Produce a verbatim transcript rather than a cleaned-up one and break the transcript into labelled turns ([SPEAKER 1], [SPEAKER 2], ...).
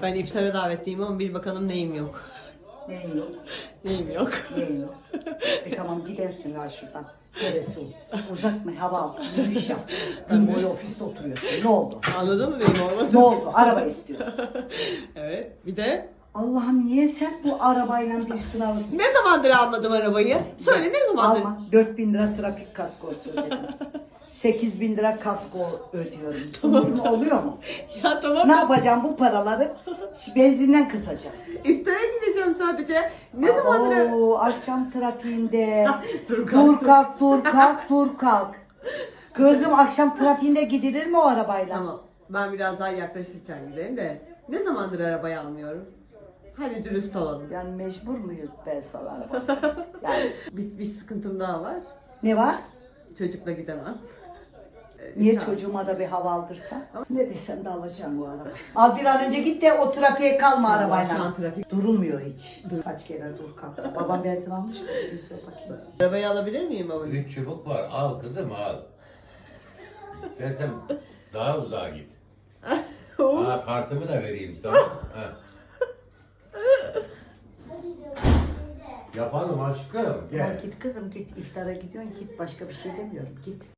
[SPEAKER 1] Ben iftara davetliyim ama bir bakalım neyim yok.
[SPEAKER 2] Neyin yok?
[SPEAKER 1] Neyim yok.
[SPEAKER 2] Neyin yok? E tamam gidersin ha şuradan. Neresi o? Uzak mı? Hava al. Yürüyüş yap. Gün boyu ofiste oturuyorsun. Ne oldu?
[SPEAKER 1] Anladın mı neyim olmadı?
[SPEAKER 2] Ne oldu? Araba istiyor.
[SPEAKER 1] Evet. Bir de
[SPEAKER 2] Allah'ım niye sen bu arabayla bir sınav...
[SPEAKER 1] ne zamandır almadım arabayı? Söyle ne zamandır?
[SPEAKER 2] Alma. dört bin lira trafik kaskosu ödedim. sekiz bin lira kasko ödüyorum. Umurun oluyor mu?
[SPEAKER 1] Ya tamam.
[SPEAKER 2] Ne yapacağım bu paraları? Şi- Benzinden kısacağım.
[SPEAKER 1] İftara gideceğim sadece. Ne zamandır?
[SPEAKER 2] Oo, akşam trafiğinde.
[SPEAKER 1] Dur kalk,
[SPEAKER 2] dur
[SPEAKER 1] dur.
[SPEAKER 2] kalk, dur kalk, dur kalk. Kızım akşam trafiğinde gidilir mi o arabayla?
[SPEAKER 1] Tamam. Ben biraz daha yaklaşırken gideyim de. Ne zamandır arabayı almıyorum? Hadi dürüst olalım.
[SPEAKER 2] Yani mecbur muyuz ben sana araba? Yani
[SPEAKER 1] Bir, bir sıkıntım daha var.
[SPEAKER 2] ne var?
[SPEAKER 1] Çocukla gidemem.
[SPEAKER 2] Niye
[SPEAKER 1] Tamam.
[SPEAKER 2] çocuğuma da bir hava aldırsan? Ne desem de alacağım bu arabayı. Al bir an önce git de o trafiğe kalma
[SPEAKER 1] Vallahi
[SPEAKER 2] arabayla.
[SPEAKER 1] şu an trafik-
[SPEAKER 2] Durulmuyor hiç. Kaç kere dur kalk. Babam benzin almış mı? Bir sor bakayım.
[SPEAKER 1] Arabayı alabilir miyim babacığım?
[SPEAKER 3] Üç çubuk var. Al kızım al. Sen sen daha uzağa git. Aa, kartımı da vereyim sana. Ha. Yapalım aşkım.
[SPEAKER 2] Ya
[SPEAKER 3] Gel.
[SPEAKER 2] git kızım git iftara gidiyorsun git başka bir şey demiyorum git.